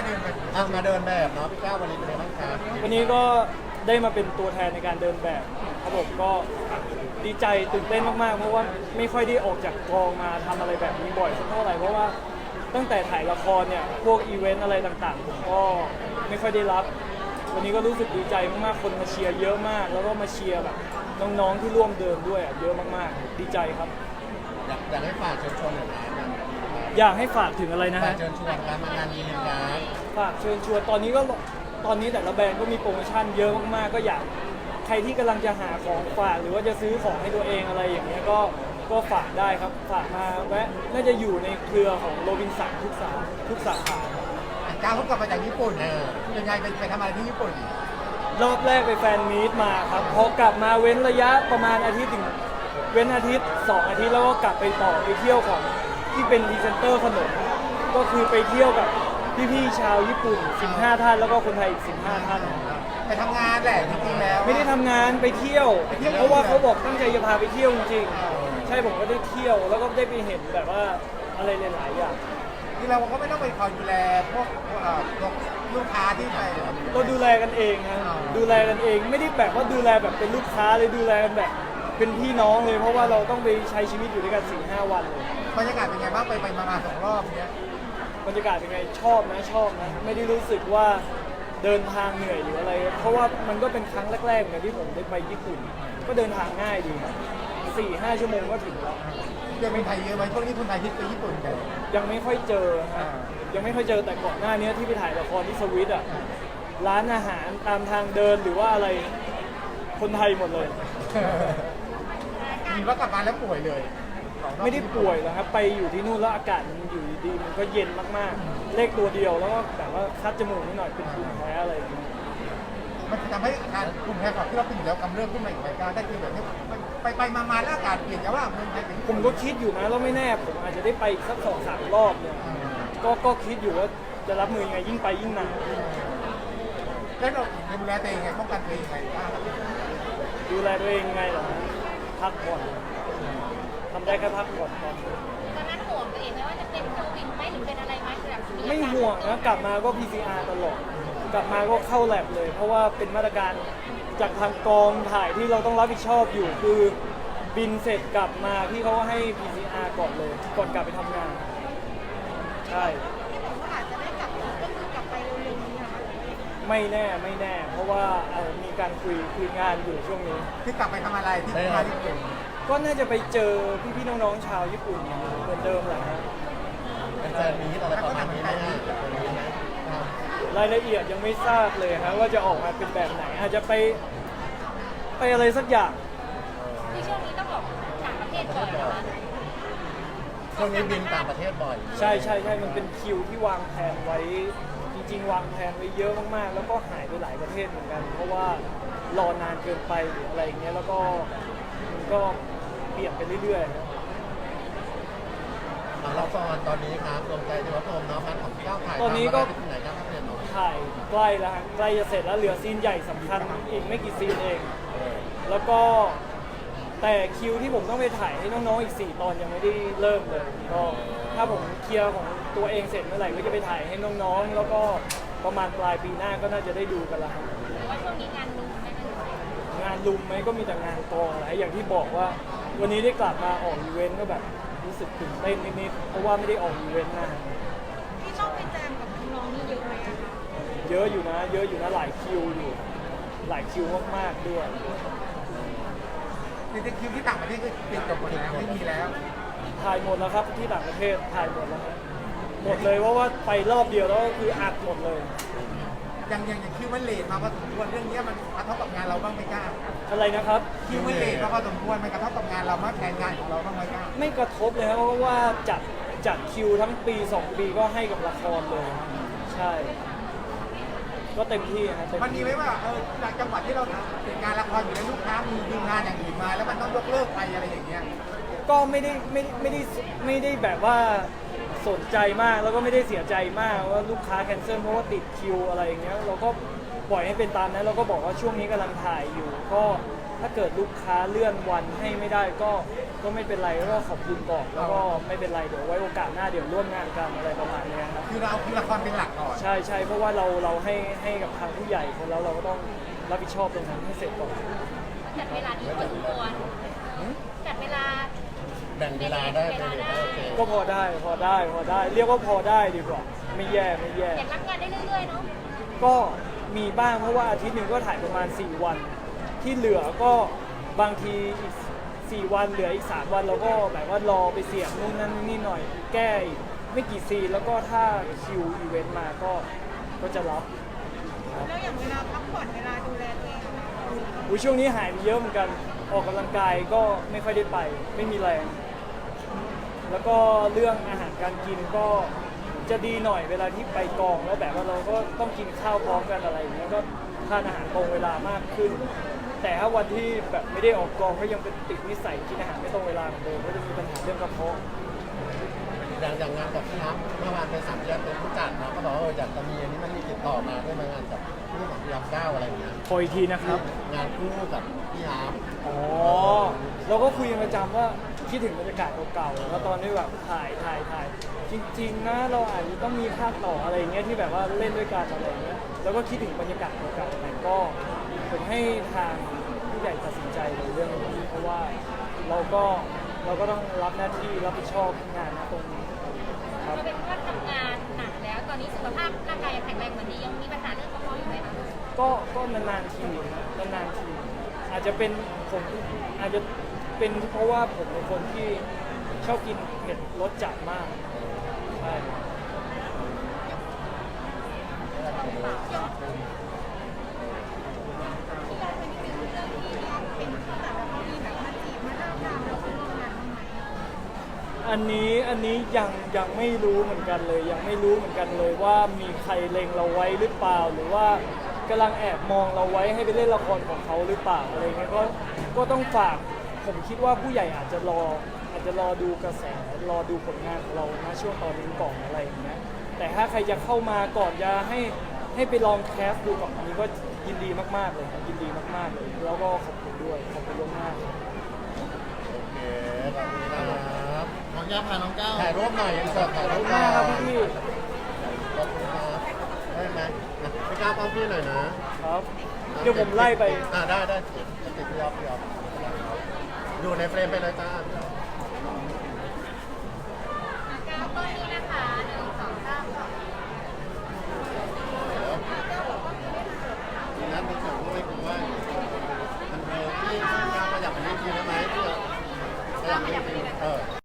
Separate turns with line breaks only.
มาเดินแบบเนาะพี่ก้าววันนี้เป็นไงบ้างครับ
วันนี้ก็ได้มาเป็นตัวแทนในการเดินแบบครับผมก็ดีใจตื่นเต้นมากๆเพราะว่าไม่ค่อยได้ออกจากกองมาทำอะไรแบบนี้บ่อยสักเท่าไหร่เพราะว่าตั้งแต่ถ่ายละครเนี่ยพวกอีเวนต์อะไรต่างๆผมก็ไม่ค่อยได้รับวันนี้ก็รู้สึกดีใจมากๆคนมาเชียร์เยอะมากแล้วก็มาเชียร์แบบน้องๆที่ร่วมเดินด้วยเยอะมากๆดีใจครับ
อยากให้ฝากเชิญชวนหน่อยนะ
อยากให้ฝากถึงอะไรนะ
ฝาก
ฮะ
เชิญชวนการมางานนี้นะ
ฝากเชิญชวนตอนนี้แต่ละแบรนด์ก็มีโปรโมชั่นเยอะมากๆก็อยากใครที่กำลังจะหาของฝากหรือว่าจะซื้อของให้ตัวเองอะไรอย่างเงี้ยก็ฝากได้ครับฝากมาแวะน่าจะอยู่ในเครือของโรบินสันทุกสาขา
ก้าวเขากลับมาจากญี่ปุ่นยังไงไปทำอะไรที่ญี่ปุ่น
รอบแรกไปแฟนมีตมาครับพอกลับมาเว้นระยะประมาณอาทิตย์ถึงเว้นอาทิตย์2 อาทิตย์แล้วก็กลับไปต่อไปเที่ยวของที่เป็นพรีเซนเตอร์ขนมก็คือไปเที่ยวกับพี่ๆชาวญี่ปุ่น15 ท่านแล้วก็คนไทยอีก15 ท่าน
ไปทำงานแหละจริงๆแล้ว
ไม่ได้ทำงานไปเที่ยวเพราะว่าเขาบอกตั้งใจจะพาไปเที่ยวจริงๆใช่ผมก็ได้เที่ยวแล้วก็ได้ไปเห็นแบบว่าอะไรหลายๆอย่าง
ที่เราก็ไม่ต้องไปคอยดูแลพวกลูกค้าที่ไป
เราดูแลกันเองครับดูแลกันเองไม่ได้แบบว่าดูแลแบบเป็นลูกค้าเลยดูแลกันแบบเป็นพี่น้องเลยเพราะว่าเราต้องไปใช้ชีวิตอยู่ด้วยกัน 4-5 วันเลย
บรรยากาศเป็นไงบ้างไปมา2 รอบเนี้ย
บรรยากาศเป็นไงชอบนะไม่ได้รู้สึกว่าเดินทางเหนื่อยหรืออะไรเพราะว่ามันก็เป็นครั้งแรกๆเหมือนที่ผมได้ไปญี่ปุ่นก็เดินทางง่ายดีครับ 4-5 ชั่วโมงก็ถึงแล้ว
ยังเป็นไทยเยอะไหมช่วงนี้คนไทยที่ไปญี่ปุ่นกัน
ยังไม่ค่อยเจอฮะยังไม่ค่อยเจอแต่ก่อนหน้านี้ที่ไปถ่ายละครที่สวิตอ่ะร้านอาหารตามทางเดินหรือว่าอะไรคนไทยหมดเลย
มีว่ากลับมาแล้วป่วยเลย
ไม่ได้ป่วยหรอกครับไปอยู่ที่นู่นแล้วอากาศมันอยู่ดีๆมันก็เย็นมากๆเลขตัวเดียวแล้วก็แบบว่าคัดจมูกนิดหน่อยเป็นภูมิแพ้อะไรอย่างเงี้ย
มันทำให้การภูมิแพ้ของที่เราเป็นอยู่แล้วกำเริบขึ้นมาอีกไหมก้าวได้คือแบบนี้ไปมาแล้วอากาศเปลี่ยนแต่ว่าเมืองไทยเป็น
ผมก็คิดอยู่นะแล้วไม่แน่ผมอาจจะได้ไปอีกสัก2-3 รอบเนี่ยก็คิดอยู่ว่าจะรับมือยังไงยิ่งไปยิ่งหนาว
แล้วเราดูแลตัวเองไงป้องกันตัวเองไงก้าว
ดูแลตัวเองไงเหรอฮะพักผ่อนทำได้แค่พักผ่อนตอนนี้
ตอนนั้นห่วงตัวเองไหมว่าจะเป็นโควิดไหมหรือเป็นอะไรไหมแบบ
ไม่ห่วงนะกลับมาก็ PCR ตลอดกลับมาก็เข้าแลบเลย เพราะว่าเป็นมาตรการจากทางกองถ่ายที่เราต้องรับผิดชอบอยู่คือบินเสร็จกลับมาพี่เขาก็ให้ PCR ก่อนเลยก่อนกลับไปทำงานใช่
ที่บอกว่าอาจจะได้กลับก็คือกลับไปเร็วๆนี้นะคะ
ไม่แน่ เพราะว่ามีการคุยงานอยู่ช่วงนี้
ที่กลับไปทำอะไรที่มาญี่ปุ่น
ก็น่าจะไปเจอพี่ๆน้องๆชาวญี่ปุ่นเหมือนเดิมแหละฮะ
เป็นแฟนมีอะไรประมาณนี้ไหมฮะ
รายละเอียดยังไม่ทราบเลยฮะว่าจะออกมาเป็นแบบไหนอาจจะไปอะไรสักอย่าง
ที่ช่วงนี้ต้องบอกต่างประเทศก่อนนะคะ
ช่วงนี้บินต่างประเทศบ่อย
ใช่มันเป็นคิวที่วางแผนไว้จริงๆวางแผนไว้เยอะมากๆ แล้วก็หายไปหลายประเทศเหมือนกัน เพราะว่ารอนานเกินไปหรืออะไรอย่างเงี้ยแล้วก็มันก็เปลี่ยนไปเรื่อยๆนะ
ละครตอนนี้ครับดวงใจเทวพรหมเนาะพันของพี่ก้าวถ่าย
ตอนนี้ก็
ที่ไหนครับเนี่ยเนาะ
ถ่ายใกล้แล้วฮะใกล้จะเสร็จแล้วเหลือซีนใหญ่สำคัญอีกไม่กี่ซีนเอง แล้วก็แต่คิวที่ผมต้องไปถ่ายให้น้องๆอีก4 ตอนยังไม่ได้เริ่มเลยก็ถ้าผมเคลียร์ของตัวเองเสร็จเมื่อไหร่ก็จะไปถ่ายให้น้องๆ แล้วก็ประมาณปลายปีหน้าก็น่าจะได้ดูกันแล้วครับ
หรือว่าช่วงนี้งานลุมไหมคะ
งานลุมไหมก็มีแต่งานกองอะไรอย่างที่บอกว่า วันนี้ได้กลับมาออกอีเวนต์ก็แบบรู้สึกตื่นเต้นนิดๆเพราะว่าไม่ได้ออกอีเวนต์นาน
ที่ต้องไปแจมกับน้องๆนี่เยอะไหมอะคะ
เยอะอยู่นะหลายคิวอยู่หลายคิวมากๆด้วย
ในคิวที่ต่างประเทศก็ปิดจบหมดแล้วไม่มีแล้ว
ถ่ายหมดแล้วครับที่ต่างประเทศถ่ายหมดแล้วครับหมดเลยว่าไปรอบเดียวแล้วก็คืออัดหมดเลย
อย่างคิวมันเลทมาพอสมควรเรื่องนี้มันกระทบกับงานเราบ้างไหมก้าว
อะไรนะครับ
คิวมันเลทมาพอสมควรมันกระทบกับงานเรามากแทนงานของเราบ้างไหมก้าว
ไม่กระทบเลยครับเพราะว่าจัดคิวทั้งปี2 ปีก็ให้กับละครเลย ใช่ ก็เต็มที่ฮะเต็ม
มันมี
ที่
ไหมว่าจากจังหวัดที่เราติดงานละครอยู่แล้วลูกค้ามีดีลงานอย่างอื่นมา แล้วมันต้องยกเลิกไปอะไรอย่างเงี้ย
ก็ไม่ได้แบบว่าสนใจมากแล้วก็ไม่ได้เสียใจมากว่าลูกค้าแคนเซิลเพราะว่าติดคิวอะไรอย่างเงี้ยเราก็ปล่อยให้เป็นตามนั้นเราก็บอกว่าช่วงนี้กำลังถ่ายอยู่ก็ถ้าเกิดลูกค้าเลื่อนวันให้ไม่ได้ก็ไม่เป็นไรก็ขอบคุณบอกแล้วก็ไม่เป็นไรเดี๋ยวไว้โอกาสหน้าเดี๋ยวร่วมงานกันอะไรประมาณเนี้ยครับ
คือเราคือละครเป็นหลักก่อน
ใช่เพราะว่าเราให้กับทางผู้ใหญ่คนแล้วเราก็ต้องรับผิดชอบตรงนั้นให้เสร็จก่อน
จัดเวลานี้พอสมควรจัดเวลา
แบ่งเวลาได้ไหมโอเค
ก็พอได้เรียกว่าพอได้ดีกว่าไม่แย่
อยากรับงานได้เรื่อยๆเนาะ
ก็มีบ้างเพราะว่าอาทิตย์หนึ่งก็ถ่ายประมาณ4 วัน ที่เหลือก็บางทีอีก4 วันเหลืออีก3 วันเราก็แบบว่ารอไปเสียบนู่นนั่นนี่หน่อย แก้อีกไม่กี่ซีนแล้วก็ถ้าคิวอีเวนต์มาก็จะรับ
แล้วอย่างเวลาพักผ่อนเวลาดูแลตัวเองอะ
อุ๊ยช่วงนี้หายไปเยอะเหมือนกันออกกำลังกายก็ไม่ค่อยได้ไปไม่มีแรง แล้วก็เรื่องอาหารการกินก็จะดีหน่อยเวลาที่ไปกองแล้วแบบว่าเราก็ต้องกินข้าวพร้อมกันอะไรอย่างเงี้ยก็ทานอาหารตรงเวลามากขึ้น แต่ถ้าวันที่แบบไม่ได้ออกกองก็ยังเป็นติดนิสัยกินอาหารไม่ตรงเวลาเหมือนเดิมก็จะมีปัญหาเรื่องกระเพาะ
อย่างงานกับพี่ฮับเมื่อวานเป็น3 เดือนเป็นผู้จัดเนาะก็บอกว่าอยากจะมีอันนี้มันมีติดต่อมาด้วยมางานกับพี่ของพี่ฮับ9อะไรอย่างเงี้ย
ขออีกทีนะครับ
งานคู่กับพี่ฮับ
อ๋อเราก็คุยกันประจำว่าคิดถึงบรรยากาศเก่าๆแล้วตอนที่แบบถ่ายจริงๆนะเราอาจจะต้องมีภาคต่ออะไรอย่างเงี้ยที่แบบว่าเล่นด้วยกันอะไรอย่างเงี้ยแล้วก็คิดถึงบรรยากาศเก่าๆแต่ก็ผมให้ทางผู้ใหญ่ตัดสินใจในเรื่องนี้เพราะว่าเราก็ต้องรับหน้าที่รับผิดชอบงานตรงนี้ครับ
เราเป็นว่าทำงานหนักแล้วตอนนี้สุขภาพร่างกายยังแข็งแรงเหมือนดียังมีปัญหาเรื่องกระเพาะอยู่ไหมคะ
ก็นานๆทีอาจจะเป็นผมอาจจะเป็นเพราะว่าผมเป็นคนที่ชอบกินเผ็ดรสจัดมากใช่ อันนี้ยังไม่รู้เหมือนกันเลยยังไม่รู้เหมือนกันเลยว่ามีใครเล็งเราไว้หรือเปล่า หรือว่ากำลังแอบมองเราไว้ให้ไปเล่นละครของเขาหรือเปล่าอะไรเงี้ยก็ต้องฝากผมคิดว่าผู้ใหญ่อาจจะรอดูกระแสรอดูผลงานของเราณช่วงตอนนี้ก่อนอะไรอย่างเงี้ยแต่ถ้าใครจะเข้ามาก่อนจะให้ไปลองแคสดูก่อนอันนี้ก็ยินดีมากๆเลยครับยินดีมากๆเลยแล้วก็ขอบคุณด้วยขอบคุณล่วงหน้า
โอเคขอบคุณครับ
ขออนุญาตพาน้องก้าว
ถ่ายรูปหน่อยอินเสิร์ตถ่ายรูปห
ห
น่อ
น้าย ครับพี่
ขอบคุณครับได้ไหมพี่ก้าวป้อมพี่หน่อยนะครับ
เดี๋ยวผมไล่ไป
ได้ติดพี่อ๊อฟอยู่ในเฟรมไปเลยจ้า